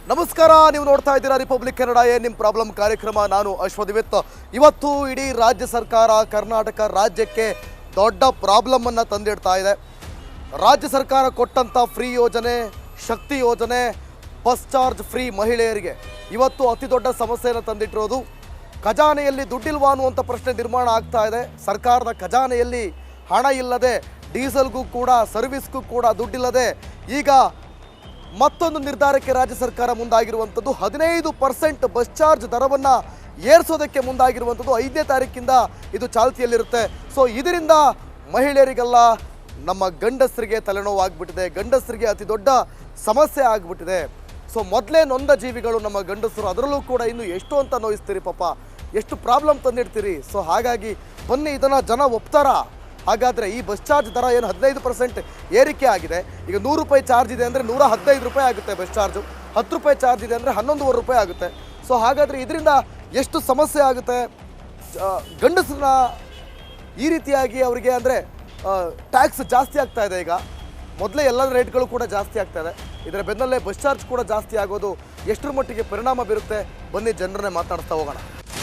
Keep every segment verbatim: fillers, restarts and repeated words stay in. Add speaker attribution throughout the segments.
Speaker 1: ನಮಸ್ಕಾರ, ನೀವು ನೋಡ್ತಾ ಇದ್ದೀರಾ ರಿಪಬ್ಲಿಕ್ ಕನ್ನಡ. ಏನ್ ನಿಮ್ಮ ಪ್ರಾಬ್ಲಮ್ ಕಾರ್ಯಕ್ರಮ. ನಾನು ಅಶ್ವದಿವಿತ್. ಇವತ್ತು ಇಡೀ ರಾಜ್ಯ ಸರ್ಕಾರ ಕರ್ನಾಟಕ ರಾಜ್ಯಕ್ಕೆ ದೊಡ್ಡ ಪ್ರಾಬ್ಲಮ್ ಅನ್ನು ತಂದಿಡ್ತಾ ಇದೆ. ರಾಜ್ಯ ಸರ್ಕಾರ ಕೊಟ್ಟಂಥ ಫ್ರೀ ಯೋಜನೆ, ಶಕ್ತಿ ಯೋಜನೆ, ಬಸ್ ಚಾರ್ಜ್ ಫ್ರೀ ಮಹಿಳೆಯರಿಗೆ ಇವತ್ತು ಅತಿ ದೊಡ್ಡ ಸಮಸ್ಯೆಯನ್ನು ತಂದಿಟ್ಟಿರೋದು. ಖಜಾನೆಯಲ್ಲಿ ದುಡ್ಡಿಲ್ವಾ ಅನ್ನುವಂಥ ಪ್ರಶ್ನೆ ನಿರ್ಮಾಣ ಆಗ್ತಾ ಇದೆ. ಸರ್ಕಾರದ ಖಜಾನೆಯಲ್ಲಿ ಹಣ ಇಲ್ಲದೆ, ಡೀಸೆಲ್ಗೂ ಕೂಡ ಸರ್ವಿಸ್ಗೂ ಕೂಡ ದುಡ್ಡಿಲ್ಲದೆ ಈಗ ಮತ್ತೊಂದು ನಿರ್ಧಾರಕ್ಕೆ ರಾಜ್ಯ ಸರ್ಕಾರ ಮುಂದಾಗಿರುವಂಥದ್ದು. ಹದಿನೈದು ಪರ್ಸೆಂಟ್ ಬಸ್ ಚಾರ್ಜ್ ದರವನ್ನು ಏರಿಸೋದಕ್ಕೆ ಮುಂದಾಗಿರುವಂಥದ್ದು. ಐದನೇ ತಾರೀಕಿಂದ ಇದು ಚಾಲ್ತಿಯಲ್ಲಿರುತ್ತೆ. ಸೊ ಇದರಿಂದ ಮಹಿಳೆಯರಿಗೆಲ್ಲ, ನಮ್ಮ ಗಂಡಸರಿಗೆ ತಲೆನೋವು ಆಗಿಬಿಟ್ಟಿದೆ. ಗಂಡಸರಿಗೆ ಅತಿ ದೊಡ್ಡ ಸಮಸ್ಯೆ ಆಗಿಬಿಟ್ಟಿದೆ. ಸೊ ಮೊದಲೇ ನೊಂದ ಜೀವಿಗಳು ನಮ್ಮ ಗಂಡಸರು, ಅದರಲ್ಲೂ ಕೂಡ ಇನ್ನು ಎಷ್ಟು ಅಂತ ನೋಯಿಸ್ತೀರಿ ಪಾಪ, ಎಷ್ಟು ಪ್ರಾಬ್ಲಮ್ ತಂದಿಡ್ತೀರಿ. ಸೊ ಹಾಗಾಗಿ ಬನ್ನಿ, ಇದನ್ನು ಜನ ಒಪ್ತಾರಾ? ಹಾಗಾದರೆ ಈ ಬಸ್ ಚಾರ್ಜ್ ದರ ಏನು ಹದಿನೈದು ಪರ್ಸೆಂಟ್ ಏರಿಕೆ ಆಗಿದೆ. ಈಗ ನೂರು ರೂಪಾಯಿ ಚಾರ್ಜ್ ಇದೆ ಅಂದರೆ ನೂರ ಹದಿನೈದು ರೂಪಾಯಿ ಆಗುತ್ತೆ ಬಸ್ ಚಾರ್ಜು. ಹತ್ತು ರೂಪಾಯಿ ಚಾರ್ಜ್ ಇದೆ ಅಂದರೆ ಹನ್ನೊಂದುವರೆ ರೂಪಾಯಿ ಆಗುತ್ತೆ. ಸೊ ಹಾಗಾದರೆ ಇದರಿಂದ ಎಷ್ಟು ಸಮಸ್ಯೆ ಆಗುತ್ತೆ. ಗಂಡಸರನ್ನ ಈ ರೀತಿಯಾಗಿ ಅವರಿಗೆ ಅಂದರೆ ಟ್ಯಾಕ್ಸ್ ಜಾಸ್ತಿ ಆಗ್ತಾ ಇದೆ. ಈಗ ಮೊದಲೇ ಎಲ್ಲ ರೇಟ್ಗಳು ಕೂಡ ಜಾಸ್ತಿ ಆಗ್ತಾ ಇದೆ. ಇದರ ಬೆನ್ನಲ್ಲೇ ಬಸ್ ಚಾರ್ಜ್ ಕೂಡ ಜಾಸ್ತಿ ಆಗೋದು ಎಷ್ಟರ ಮಟ್ಟಿಗೆ ಪರಿಣಾಮ ಬೀರುತ್ತೆ, ಬನ್ನಿ ಜನರನ್ನೇ ಮಾತಾಡ್ತಾ ಹೋಗೋಣ.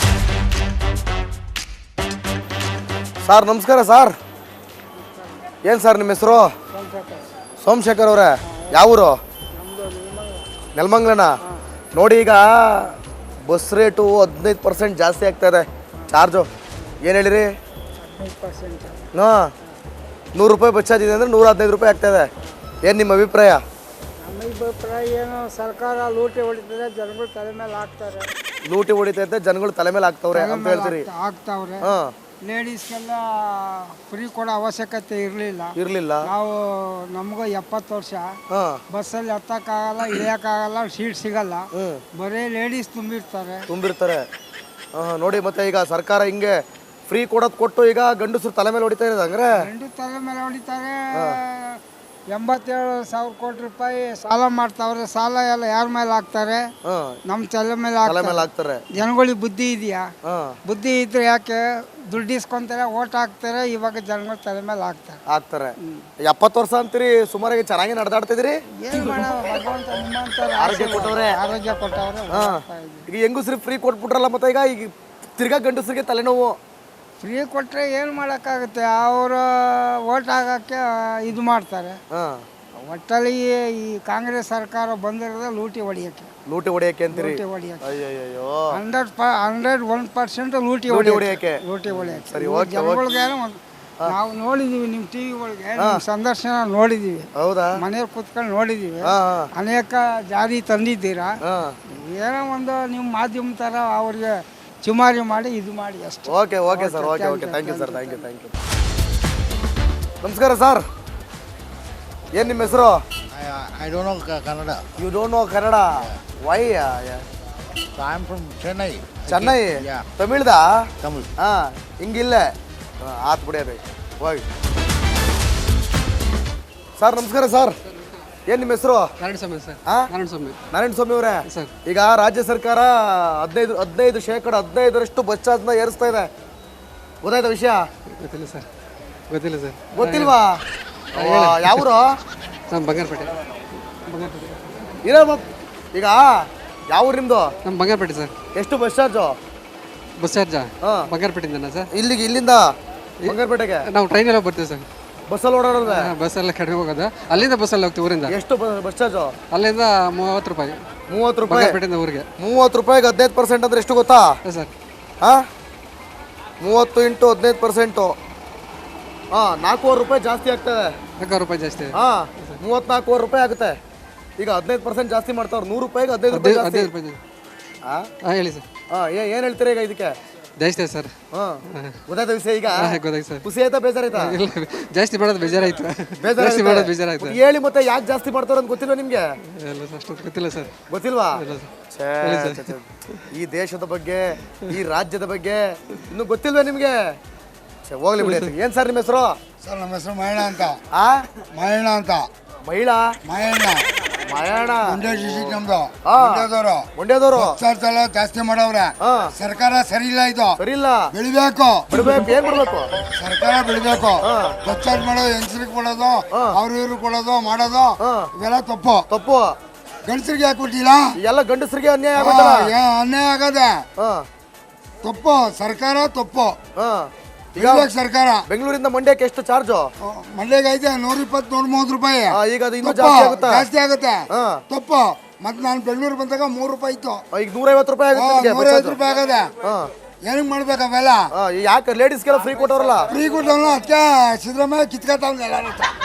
Speaker 1: ಸರ್ ನಮಸ್ಕಾರ. ಸರ್ ಏನು ಸರ್ ನಿಮ್ಮ ಹೆಸರು? ಸೋಮಶೇಖರ್ ಅವರೇ, ಯಾವೂರು? ನೆಲಮಂಗ್ಲನ. ನೋಡಿ, ಈಗ ಬಸ್ ರೇಟು ಹದಿನೈದು ಪರ್ಸೆಂಟ್ ಜಾಸ್ತಿ ಆಗ್ತಾ ಇದೆ ಚಾರ್ಜು. ಏನು ಹೇಳಿರಿ? ಹಾಂ, ನೂರು ರೂಪಾಯಿ ಬಸ್ ಚಾರ್ಜ್ ಇದೆ ಅಂದರೆ ನೂರ ಹದಿನೈದು ರೂಪಾಯಿ ಆಗ್ತಾಯಿದೆ. ಏನು ನಿಮ್ಮ ಅಭಿಪ್ರಾಯ?
Speaker 2: ನಮ್ಮ ಅಭಿಪ್ರಾಯ ಏನು, ಸರ್ಕಾರ ಲೂಟಿ ಹೊಡಿತದೆ, ಜನಗಳು ತಲೆ ಮೇಲೆ ಹಾಕ್ತಾರೆ.
Speaker 1: ಲೂಟಿ ಹೊಡಿತೈತೆ, ಜನಗಳು ತಲೆ ಮೇಲೆ ಹಾಕ್ತವ್ರೆ ಅಂತ ಹೇಳ್ತೀರಿ?
Speaker 2: ಹಾಕ್ತಾವ್ರೆ.
Speaker 1: ಹಾಂ,
Speaker 2: ಲೇಡೀಸ್ಗೆಲ್ಲ ಫ್ರೀ ಕೊಡೋ ಅವಶ್ಯಕತೆ ಇರಲಿಲ್ಲ
Speaker 1: ಇರಲಿಲ್ಲ.
Speaker 2: ನಾವು ನಮಗೂ ಎಪ್ಪತ್ತು ವರ್ಷ,
Speaker 1: ಹಾಂ,
Speaker 2: ಬಸ್ಸಲ್ಲಿ ಹತ್ತಕ್ಕಾಗಲ್ಲ, ಇಳಿಯೋಕ್ಕಾಗಲ್ಲ, ಸೀಟ್ ಸಿಗಲ್ಲ, ಬರೀ ಲೇಡೀಸ್ ತುಂಬಿರ್ತಾರೆ
Speaker 1: ತುಂಬಿರ್ತಾರೆ ಹಾಂ. ನೋಡಿ, ಮತ್ತೆ ಈಗ ಸರ್ಕಾರ ಹಿಂಗೆ ಫ್ರೀ ಕೊಡೋದು ಕೊಟ್ಟು ಈಗ ಗಂಡಸರು ತಲೆ ಮೇಲೆ ಹೊಡಿತಾ ಇರೋದು. ಹಂಗ್ರೆ
Speaker 2: ಗಂಡು ತಲೆ ಮೇಲೆ ಹೊಡಿತಾರೆ. ಎಂಬತ್ತೇಳು ಸಾವಿರ ಕೋಟಿ ರೂಪಾಯಿ ಸಾಲ ಮಾಡ್ತಾವ್ರೆ. ಸಾಲ ಎಲ್ಲ ಯಾರ ಮೇಲೆ ಹಾಕ್ತಾರೆ? ನಮ್ಮ ತಲೆ ಮೇಲೆ ಹಾಕ್ತಾರೆ. ಜನಗಳಿಗೆ ಬುದ್ಧಿ ಇದೆಯಾ? ಬುದ್ಧಿ ಇದ್ರೆ ಯಾಕೆ ದುಡ್ಡು ಇಸ್ಕೊಂತಾರೆ, ಓಟ್ ಹಾಕ್ತಾರೆ. ಇವಾಗ ಜನಗಳ ತಲೆ ಮೇಲೆ ಹಾಕ್ತಾರೆ
Speaker 1: ಹಾಕ್ತಾರೆ ಎಪ್ಪತ್ತು ವರ್ಷ ಅಂತೀರಿ, ಸುಮಾರಾಗಿ ಚೆನ್ನಾಗಿ ನಡೆದಾಡ್ತಿದ್ರಿ.
Speaker 2: ಏನು ಮಾಡೋಣ, ಭಗವಂತ ನಿಮ್ಮಂತ
Speaker 1: ಆರೋಗ್ಯ ಕೊಟ್ಟವ್ರೆ.
Speaker 2: ಆರೋಗ್ಯ ಕೊಟ್ಟವ್ರೆ.
Speaker 1: ಈಗ ಹೆಂಗಸ್ರಿಗೆ ಫ್ರೀ ಕೊಟ್ಬಿಟ್ರಲ್ಲ, ಮತ್ತೆ ಈಗ ಈಗ ತಿರ್ಗಾ ಗಂಡಸರಿಗೆ ತಲೆನೋವು.
Speaker 2: ಫ್ರೀ ಕೊಟ್ಟರೆ ಏನು ಮಾಡೋಕ್ಕಾಗುತ್ತೆ? ಅವರು ಓಟ್ ಹಾಕೋಕ್ಕೆ ಇದು ಮಾಡ್ತಾರೆ. ಒಟ್ಟಲ್ಲಿ ಈ ಕಾಂಗ್ರೆಸ್ ಸರ್ಕಾರ ಬಂದಿರೋದು ಲೂಟಿ ಹೊಡಿಯೋಕ್ಕೆ.
Speaker 1: ಲೂಟಿ ಹೊಡಿಯೋಕ್ಕೆ ಅಂತೀರಿ?
Speaker 2: ಲೂಟಿ ಹೊಡಿಯೋಕ್ಕೆ
Speaker 1: ಅಯ್ಯೋ,
Speaker 2: ಹಂಡ್ರೆಡ್ ಪ ಹಂಡ್ರೆಡ್ ಒನ್ ಪರ್ಸೆಂಟ್ ಲೂಟಿ ಹೊಡಿಯೋಕ್ಕೆ. ಲೂಟಿ ಹೊಡಿಯೋಕ್ಕೆ ಜನಗಳಿಗೆ ನಾವು ನೋಡಿದೀವಿ. ನಿಮ್ಮ ಟಿ ವಿಗಳಿಗೆ ಸಂದರ್ಶನ ನೋಡಿದೀವಿ.
Speaker 1: ಹೌದಾ?
Speaker 2: ಮನೆಯಲ್ಲಿ ಕೂತ್ಕೊಂಡು ನೋಡಿದೀವಿ. ಅನೇಕ ಜಾರಿ ತಂದಿದ್ದೀರಾ. ಏನೋ ಒಂದು ನಿಮ್ಮ ಮಾಧ್ಯಮ ಥರ ಅವ್ರಿಗೆ ಚುಮಾರಿ ಮಾಡಿ ಇದು ಮಾಡಿ ಅಷ್ಟೇ.
Speaker 1: Okay okay sir, okay okay thank you sir, thank you thank you. ನಮಸ್ಕಾರ ಸರ್, ಏನು ನಿಮ್ಮ ಹೆಸರು?
Speaker 3: I don't know Kannada.
Speaker 1: You don't know Kannada? Why?
Speaker 3: I am from Chennai.
Speaker 1: Chennai? ತಮಿಳ್ದಾ?
Speaker 3: ತಮಿಳ್.
Speaker 1: ಹಾಂ, ಹಿಂಗಿಲ್ಲೇ ಆತ್ ಬಿಡಿ ಅದೇ ಹೋಗಿ. ಸರ್ ನಮಸ್ಕಾರ ಸರ್, ಏನು ನಿಮ್ಮ ಹೆಸರು?
Speaker 4: ನಾರಾಯಣ ಸ್ವಾಮಿ ಸರ್. ನಾರಾಯಣ ಸ್ವಾಮಿ.
Speaker 1: ನಾರಾಯಣ ಸ್ವಾಮಿ ಅವರೇ, ಈಗ ರಾಜ್ಯ ಸರ್ಕಾರ ಹದಿನೈದು ಹದಿನೈದು ಶೇಕಡ ಹದಿನೈದರಷ್ಟು ಬಸ್ ಚಾರ್ಜ್ನ ಏರಿಸ್ತಾ ಇದೆ. ಗೊತ್ತಾಯ್ತಾ ವಿಷಯ?
Speaker 4: ಗೊತ್ತಿಲ್ಲ ಸರ್. ಗೊತ್ತಿಲ್ಲ ಸರ್.
Speaker 1: ಗೊತ್ತಿಲ್ವಾ? ಯಾವರು?
Speaker 4: ನಮ್ಮ ಬಂಗಾರಪೇಟೆ. ಬಂಗಾರಪೇಟೆ
Speaker 1: ಇರೋ ಈಗ ಯಾವ ಊರು ನಿಮ್ಮದು? ನಮ್ಮ
Speaker 4: ಬಂಗಾರಪೇಟೆ ಸರ್.
Speaker 1: ಎಷ್ಟು ಬಸ್ ಚಾರ್ಜು?
Speaker 4: ಬಸ್ ಚಾರ್ಜಾ?
Speaker 1: ಹಾಂ,
Speaker 4: ಬಂಗಾರಪೇಟೆಯಿಂದ ಸರ್.
Speaker 1: ಇಲ್ಲಿಗೆ ಇಲ್ಲಿಂದ ಬಂಗಾರಪೇಟೆಗೆ
Speaker 4: ನಾವು ಟ್ರೈನೆಲ್ಲ ಬರ್ತೀವಿ ಸರ್.
Speaker 1: ಬಸ್ಸಲ್ಲಿ ಓಡಾಡೋದು?
Speaker 4: ಬಸ್ಸೆಲ್ಲ ಕಡಿಮೆ ಹೋಗೋದು. ಅಲ್ಲಿಂದ ಬಸ್ಸಲ್ಲಿ ಹೋಗ್ತೀವಿ ಊರಿಂದ.
Speaker 1: ಎಷ್ಟು ಬಸ್ ಚಾರ್ಜು?
Speaker 4: ಅಲ್ಲಿಂದ ಮೂವತ್ತು ರೂಪಾಯಿ.
Speaker 1: ಮೂವತ್ತು ರೂಪಾಯಿ
Speaker 4: ಬಂಗಾರಪೇಟೆಯಿಂದ ಊರಿಗೆ.
Speaker 1: ಮೂವತ್ತು ರೂಪಾಯಿಗೆ ಹದಿನೈದು ಪರ್ಸೆಂಟ್ ಅಂದರೆ ಎಷ್ಟು ಗೊತ್ತಾ
Speaker 4: ಸರ್?
Speaker 1: ಹಾಂ, ಮೂವತ್ತು ಇಂಟು ಹದಿನೈದು ಪರ್ಸೆಂಟು ಹಾಂ, ನಾಲ್ಕೂವರೆ ರೂಪಾಯಿ ಜಾಸ್ತಿ ಆಗ್ತದೆ.
Speaker 4: ನಾಲ್ಕೂವರೆ ರೂಪಾಯಿ ಜಾಸ್ತಿ.
Speaker 1: ಹಾಂ, ಮೂವತ್ತ್ನಾಲ್ಕೂವರೆ ರೂಪಾಯಿ ಆಗುತ್ತೆ. ಈಗ ಹದಿನೈದು ಪರ್ಸೆಂಟ್ ಜಾಸ್ತಿ ಮಾಡ್ತಾವ್ರು. ನೂರು ರೂಪಾಯಿಗೆ ಹದಿನೈದು ರೂಪಾಯಿ ಜಾಸ್ತಿ.
Speaker 4: ಹದಿನೈದು ರೂಪಾಯಿ. ಹಾಂ ಹಾಂ, ಹೇಳಿ ಸರ್.
Speaker 1: ಹಾಂ, ಏನು ಹೇಳ್ತೀರಾ ಈಗ ಇದಕ್ಕೆ?
Speaker 4: ಜಾಸ್ತಿ ಸರ್.
Speaker 1: ಹಾಂ, ಗೊತ್ತಾಯ್ತಾ ವಿಷಯ ಈಗ?
Speaker 4: ಗೊತ್ತಾಯ್ತು ಸರ್.
Speaker 1: ಖುಷಿ ಆಯ್ತಾ ಬೇಜಾರಾಯ್ತಾ?
Speaker 4: ಇಲ್ಲ, ಜಾಸ್ತಿ ಮಾಡೋದು ಬೇಜಾರಾಯ್ತು.
Speaker 1: ಜಾಸ್ತಿ
Speaker 4: ಮಾಡೋದು ಬೇಜಾರಾಯ್ತು.
Speaker 1: ಹೇಳಿ ಮತ್ತೆ, ಯಾಕೆ ಜಾಸ್ತಿ ಮಾಡ್ತಾರ ಅಂತ ಗೊತ್ತಿಲ್ವಾ ನಿಮಗೆ?
Speaker 4: ಇಲ್ಲ ಸರ್, ಅಷ್ಟು ಗೊತ್ತಿಲ್ಲ ಸರ್.
Speaker 1: ಗೊತ್ತಿಲ್ವಾ? ಈ ದೇಶದ ಬಗ್ಗೆ, ಈ ರಾಜ್ಯದ ಬಗ್ಗೆ ಇನ್ನೂ ಗೊತ್ತಿಲ್ವಾ ನಿಮಗೆ? ಹೋಗ್ಲಿ ಬಿಡಿ. ಏನು ಸರ್ ನಿಮ್ಮ ಹೆಸರು?
Speaker 3: ಸರ್ ನಮ್ಮ ಹೆಸರು ಮಹೇಣ ಅಂತ.
Speaker 1: ಆ
Speaker 3: ಮಹೇಣ ಅಂತ.
Speaker 1: ಮಹಿಳಾ?
Speaker 3: ಮಹೇಣ.
Speaker 1: ಮಹೇಣ.
Speaker 3: ಮಂಡ್ಯ ಡಿಸ್ಟ್ರಿಕ್ಟ್ ನಮ್ದು.
Speaker 1: ಹಾ.
Speaker 3: ಮಂಡ್ಯದವರು.
Speaker 1: ಮಂಡ್ಯದವರು.
Speaker 3: ಚಾರ್ಜ್ ಎಲ್ಲ ಜಾಸ್ತಿ ಮಾಡವ್ರೆ. ಸರ್ಕಾರ ಸರಿ ಇಲ್ಲ. ಇದು
Speaker 1: ಸರಿ ಇಲ್ಲ.
Speaker 3: ಬೆಳಿಬೇಕು.
Speaker 1: ಬಿಡ್ಬೇಕು. ಏನ್ ಬಿಡ್ಬೇಕು?
Speaker 3: ಸರ್ಕಾರ ಬೆಳಿಬೇಕು. ಚಾರ್ಜ್ ಮಾಡೋದು, ಹೆಂಗಸ್ರಿಗೆ ಕೊಡೋದು, ಅವ್ರು ಇವ್ರು ಕೊಡೋದು ಮಾಡೋದು ಇವೆಲ್ಲ ತಪ್ಪು.
Speaker 1: ತಪ್ಪು.
Speaker 3: ಗಂಡಸರಿಗೆ ಯಾಕೆ ಕೊಟ್ಟಿಲ್ಲ
Speaker 1: ಎಲ್ಲ ಗಂಡಸರಿಗೆ ಅನ್ಯಾಯ ಆಗುತ್ತಲ್ಲ.
Speaker 3: ಆ, ಯಾ- ಅನ್ಯಾಯ ಆಗದೆ
Speaker 1: ಹಾ
Speaker 3: ತಪ್ಪು ಸರ್ಕಾರ ತಪ್ಪು
Speaker 1: ಹಾ ಈಗ
Speaker 3: ಇರ್ಬೇಕು ಸರ್ಕಾರ
Speaker 1: ಬೆಂಗಳೂರಿಂದ ಮಂಡ್ಯಕ್ಕೆ ಎಷ್ಟು ಚಾರ್ಜು?
Speaker 3: ಮಂಡ್ಯಗೆ ಐತೆ ನೂರ ಇಪ್ಪತ್ತು ನೂರ ಮೂವತ್ತು ರೂಪಾಯಿ
Speaker 1: ಈಗ ಅದು ಇನ್ನೂ
Speaker 3: ತಪ್ಪು,
Speaker 1: ಜಾಸ್ತಿ ಆಗುತ್ತಾ?
Speaker 3: ಜಾಸ್ತಿ ಆಗುತ್ತೆ
Speaker 1: ಹಾ.
Speaker 3: ತಪ್ಪು ಮತ್ತೆ ನಾನು ಬೆಂಗಳೂರು ಬಂದಾಗ ಮೂರು ರೂಪಾಯಿ ಇತ್ತು
Speaker 1: ಈಗ ನೂರೈವತ್ತು ರೂಪಾಯಿ ಆಗುತ್ತೆ ನಿಮ್ಗೆ
Speaker 3: ನೂರ
Speaker 1: ಬಸ್
Speaker 3: ಐವತ್ತು
Speaker 1: ಚಾರ್ಜು.
Speaker 3: ರೂಪಾಯಿ ಆಗದೆ
Speaker 1: ಹಾ
Speaker 3: ಏನಕ್ಕೆ ಮಾಡ್ಬೇಕು ಅವೆಲ್ಲ
Speaker 1: ಹಾ, ಯಾಕೆ ಲೇಡೀಸ್ಗೆಲ್ಲ ಫ್ರೀ ಕೊಟ್ಟವ್ರಲ್ಲ?
Speaker 3: ಫ್ರೀ ಕೊಟ್ಟವನು ಅದಕ್ಕೆ ಸಿದ್ದರಾಮಯ್ಯ ಕಿತ್ಕೊತಾವ್ನ ಎಲ್ಲ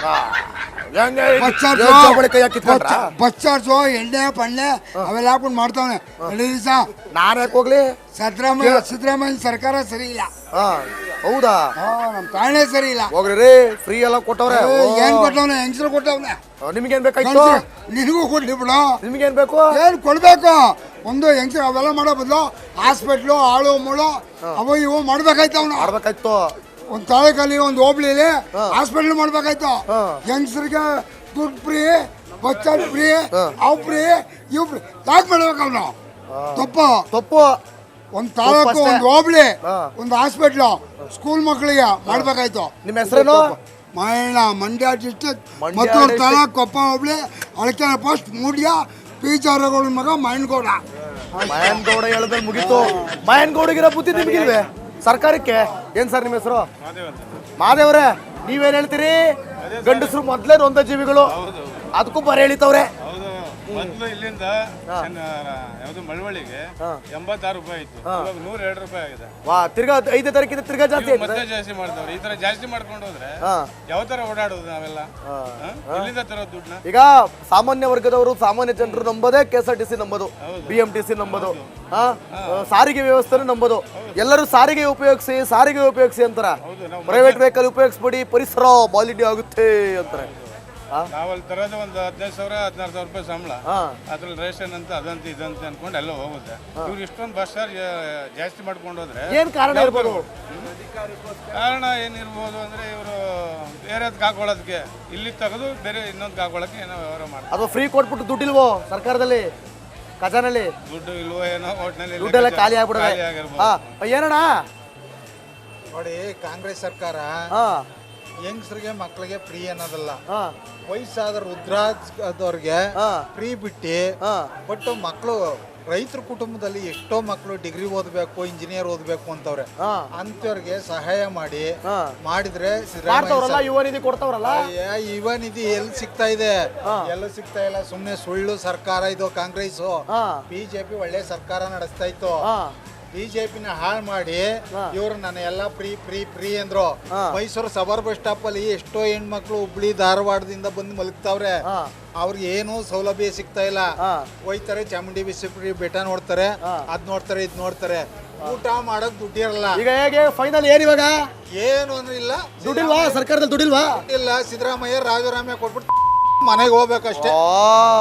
Speaker 3: ಬಸ್ ಚಾರ್ಜ್
Speaker 1: ಜೋಬಳಿ ಕೈಯಾಗ್ ಕಿತ್ಕೊಂಡ್ರಾ?
Speaker 3: ಬಸ್ ಚಾರ್ಜು ಎಣ್ಣೆ ಪಣ್ಣೆ ಅವೆಲ್ಲ ಹಾಕೊಂಡು ಮಾಡ್ತಾವನೆ ದಿವಸ
Speaker 1: ನಾನು ಯಾಕೆ ಹೋಗ್ಲಿ?
Speaker 3: ಸಿದ್ದರಾಮಯ್ಯ ಸಿದ್ದರಾಮಯ್ಯ ಸರ್ಕಾರ ಸರಿ ಇಲ್ಲ
Speaker 1: ಹಾ ಹೌದಾ?
Speaker 3: ಹಾ, ನಮ್ ತಾಳ್ನೆ ಸರಿ ಇಲ್ಲ
Speaker 1: ಹೋಗ್ರಿ ರೀ, ಫ್ರೀ ಎಲ್ಲ ಕೊಟ್ಟವ್ರೆ.
Speaker 3: ಏ, ಏನ್ ಕೊಟ್ಟವನೆ ಹೆಂಗಸರು ಕೊಟ್ಟವನೆ
Speaker 1: ನಿಮ್ಗೇನ್ ಬೇಕಾಯ್ತು?
Speaker 3: ನಿನಗೂ ಕೊಡ್ಲಿ ಬಿಡು
Speaker 1: ನಿಮ್ಗೇನ್ ಬೇಕು?
Speaker 3: ಏನ್ ಕೊಡ್ಬೇಕು ಒಂದು ಹೆಂಗಸರು ಅವೆಲ್ಲ ಮಾಡೋ ಬದಲು ಹಾಸ್ಪಿಟ್ಲು ಆಳು ಮುಳು ಅವು ಇವು ಮಾಡ್ಬೇಕಾಯ್ತು ಅವ್ನು
Speaker 1: ಮಾಡ್ಬೇಕಾಯ್ತು.
Speaker 3: ಒಂದ್ ತಾಳೆಕಲ್ಲಿ ಒಂದು ಹೋಬ್ಳಿಲಿ ಹಾಸ್ಪಿಟ್ಲ್ ಮಾಡ್ಬೇಕಾಯ್ತು ಹೆಂಗಸರಿಗೆ ದುಡ್ಡು ಫ್ರೀ ಬಸ್ ಚಾರ್ಜ್ ಫ್ರೀ ಅವ್ ಫ್ರೀ ಇವ್ ಫ್ರೀ ಯಾಕೆ ಮಾಡ್ಬೇಕು ಅವನು ತಪ್ಪು
Speaker 1: ತಪ್ಪು.
Speaker 3: ಒಂದ್ ತಾಲೂಕು
Speaker 1: ಅಷ್ಟೇ.
Speaker 3: ಒಂದು ಹೋಬ್ಳಿ
Speaker 1: ಹಾ.
Speaker 3: ಒಂದು ಹಾಸ್ಪಿಟ್ಲು ಸ್ಕೂಲ್ ಮಕ್ಕಳಿಗೆ ಮಾಡ್ಬೇಕಾಯ್ತು
Speaker 1: ನಿಮ್ಮ ಹೆಸರೇನು?
Speaker 3: ಮೈಣ Mandya district
Speaker 1: Mandya
Speaker 3: Mattur
Speaker 1: district.
Speaker 3: Taluk Koppa hobli Alakere post ಮೂಡ್ಯ ಪೀಚಾರಗಳ ಮಗ ಮೈನ್ಗೌಡ
Speaker 1: ಮಯನ್ಗೌಡ ಹೇಳಿದ್ರೆ ಮುಗೀತು. ಮಯನ್ಗೌಡಗಿರೋ ಬುದ್ಧಿ ನಿಮ್ಗಿಲ್ವೇ ಸರ್ಕಾರಕ್ಕೆ? ಏನ್ ಸರ್ ನಿಮ್ಮ ಹೆಸರು? ಮಾದೇವ್ರೆ, ನೀವೇನ್ ಹೇಳ್ತೀರಿ? ಗಂಡಸರು ಮೊದ್ಲೇ ನೊಂದ ಜೀವಿಗಳು, ಅದಕ್ಕೂ ಬರ ಹೇಳಿತವ್ರೆ.
Speaker 5: ಮೊದಲು ಇಲ್ಲಿಂದ ಯಾವುದು ಮಳವಳ್ಳಿಗೆ ಎಂಬತ್ತಾರು ರೂಪಾಯಿ ಇತ್ತು, ಇವಾಗ ನೂರ ಎರಡು ರೂಪಾಯಿ ಆಗಿದೆ.
Speaker 1: ವಾ, ತಿರ್ಗಾ ಐದನೇ ತಾರೀಕಿಂದ ತಿರ್ಗಾ ಜಾಸ್ತಿ ಆಯ್ತು.
Speaker 5: ಮತ್ತೆ ಜಾಸ್ತಿ ಮಾಡ್ತಾವ್ರೆ. ಈ ತರ ಜಾಸ್ತಿ ಮಾಡ್ಕೊಂಡು ಹೋದ್ರೆ
Speaker 1: ಹಾ.
Speaker 5: ಯಾವ ತರ ಓಡಾಡೋದು ನಾವೆಲ್ಲ? ಹಾ? ಎಲ್ಲಿಂದ ತರೋದು ದುಡ್ಡನ್ನ?
Speaker 1: ಈಗ ಸಾಮಾನ್ಯ ವರ್ಗದವರು, ಸಾಮಾನ್ಯ ಜನರು ನಂಬೋದೇ K S R T C ನಂಬೋದು, ಬಿ ಎಂ ಟಿ ಸಿ ನಂಬೋದು, ಹಾ, ಸಾರಿಗೆ ವ್ಯವಸ್ಥೆನೂ ನಂಬೋದು. ಎಲ್ಲರೂ ಸಾರಿಗೆ ಉಪಯೋಗಿಸಿ ಸಾರಿಗೆ ಉಪಯೋಗಿಸಿ ಅಂತಾರ. ಪ್ರೈವೇಟ್ ವೆಹಿಕಲ್ ಉಪಯೋಗಿಸ್ಬಿಡಿ, ಪರಿಸರ ಮಾಲಿನ್ಯ ಆಗುತ್ತೆ ಅಂತಾರೆ.
Speaker 5: ನಾವಲ್ಲಿ ತರೋದು ಒಂದು ಹದಿನೈದು ಸಾವಿರ ಹದಿನಾರು ಸಾವಿರ ರೂಪಾಯಿ ಸಂಬಳ, ಅದ್ರಲ್ಲಿ ರೇಷನ್ ಅಂತ ಅದಂತ ಇದಂತ ಅನ್ಕೊಂಡು ಎಲ್ಲ ಹೋಗುತ್ತೆ. ಇವ್ರು ಇಷ್ಟೊಂದು ಬಸ್ ಚಾರ್ಜ್ ಜಾಸ್ತಿ ಮಾಡ್ಕೊಂಡು ಹೋದ್ರೆ
Speaker 1: ಏನ್ ಕಾರಣ ಇರ್ಬೋದು?
Speaker 5: ಕಾರಣ ಏನಿರ್ಬೋದು ಅಂದ್ರೆ ಇವರು ಬೇರೆದಕ್ಕೆ ಹಾಕೊಳ್ಳೋದಕ್ಕೆ, ಇಲ್ಲಿ ತೆಗೆದು ಬೇರೆ ಇನ್ನೊಂದು ಹಾಕೊಳ್ಳೋಕೆ ಏನೋ ವ್ಯವಹಾರ ಮಾಡ್ತಾರೆ.
Speaker 1: ಅಥವಾ ಫ್ರೀ ಕೊಟ್ಬಿಟ್ಟು ದುಡ್ಡಿಲ್ವೋ ಸರ್ಕಾರದಲ್ಲಿ, ಖಜಾನಲ್ಲಿ
Speaker 5: ದುಡ್ಡು ಇಲ್ವೋ ಏನೋ ಒಟ್ಟಿನಲ್ಲಿ
Speaker 1: ದುಡ್ಡೆಲ್ಲ ಖಾಲಿ ಆಗ್ಬಿಡುತ್ತೆ. ಹಾ, ಏನಣ್ಣ?
Speaker 6: ನೋಡಿ, ಕಾಂಗ್ರೆಸ್ ಸರ್ಕಾರ
Speaker 1: ಹಾ
Speaker 6: ಯಂಗ್ಸ್ರಿಗೆ ಮಕ್ಕಳಿಗೆ ಫ್ರೀ ಅನ್ನೋದಲ್ಲ,
Speaker 1: ಹಾ
Speaker 6: ವಯಸ್ಸಾದ ವೃದ್ಧಾದವ್ರಿಗೆ
Speaker 1: ಹಾ
Speaker 6: ಫ್ರೀ ಬಿಟ್ಟು
Speaker 1: ಹಾ
Speaker 6: ಬಟ್ ಮಕ್ಕಳು ರೈತರ ಕುಟುಂಬದಲ್ಲಿ ಎಷ್ಟೋ ಮಕ್ಕಳು ಡಿಗ್ರಿ ಓದಬೇಕು, ಇಂಜಿನಿಯರ್ ಓದಬೇಕು ಅಂತವ್ರೆ,
Speaker 1: ಹಾ
Speaker 6: ಅಂತವ್ರಿಗೆ ಸಹಾಯ ಮಾಡಿ
Speaker 1: ಹಾ
Speaker 6: ಮಾಡಿದ್ರೆ
Speaker 1: ಮಾಡ್ತಾವ್ರಲ್ಲ, ಯುವ ನಿಧಿ ಕೊಡ್ತಾವ್ರಲ್ಲ.
Speaker 6: ಯುವ ನಿಧಿ ಎಲ್ಲಿ ಸಿಗ್ತಾ ಇದೆ? ಎಲ್ಲೂ ಸಿಗ್ತಾ ಇಲ್ಲ. ಸುಮ್ನೆ ಸುಳ್ಳು ಸರ್ಕಾರ ಇದು ಕಾಂಗ್ರೆಸ್.
Speaker 1: ಹಾ
Speaker 6: ಬಿಜೆಪಿ ಒಳ್ಳೆ ಸರ್ಕಾರ ನಡೆಸ್ತಾ ಇತ್ತು.
Speaker 1: ಹಾ
Speaker 6: ಬಿಜೆಪಿನ ಹಾಳು ಮಾಡಿ ಇವ್ರು ನನ್ನ ಎಲ್ಲ ಫ್ರೀ ಫ್ರೀ ಫ್ರೀ ಅಂದ್ರು. ಮೈಸೂರು ಸಬರ್ ಬಸ್ ಸ್ಟಾಪ್ ಅಲ್ಲಿ ಎಷ್ಟೋ ಹೆಣ್ಮಕ್ಳು ಹುಬ್ಳಿ ಧಾರವಾಡದಿಂದ ಬಂದು ಮಲಗ್ತಾವ್ರೆ, ಅವ್ರಿಗೆ ಏನು ಸೌಲಭ್ಯ ಸಿಗ್ತಾ ಇಲ್ಲ. ಹೋಯ್ತಾರೆ ಚಾಮುಂಡಿ ಬಿಸಿ ಬೆಟ್ಟ ನೋಡ್ತಾರೆ, ಅದ್ ನೋಡ್ತಾರೆ ಇದ್ ನೋಡ್ತಾರೆ, ಊಟ ಮಾಡಕ್ ದುಡ್ಡಿರಲ್ಲ.
Speaker 1: ಈಗ ಹೇಗೆ ಫೈನಲ್ ಏನ್ ಇವಾಗ?
Speaker 6: ಏನು ಅಂದ್ರೆ ಇಲ್ಲ,
Speaker 1: ದುಡ್ಡಿಲ್ವಾ ಸರ್ಕಾರದಲ್ಲಿ? ದುಡ್ಡಿಲ್ವಾ?
Speaker 6: ಇಲ್ಲ. ಸಿದ್ದರಾಮಯ್ಯ ರಾಜರಾಮಯ್ಯ ಕೊಟ್ಬಿಟ್ಟು ಮನೆಗೆ ಹೋಗ್ಬೇಕಷ್ಟೇ.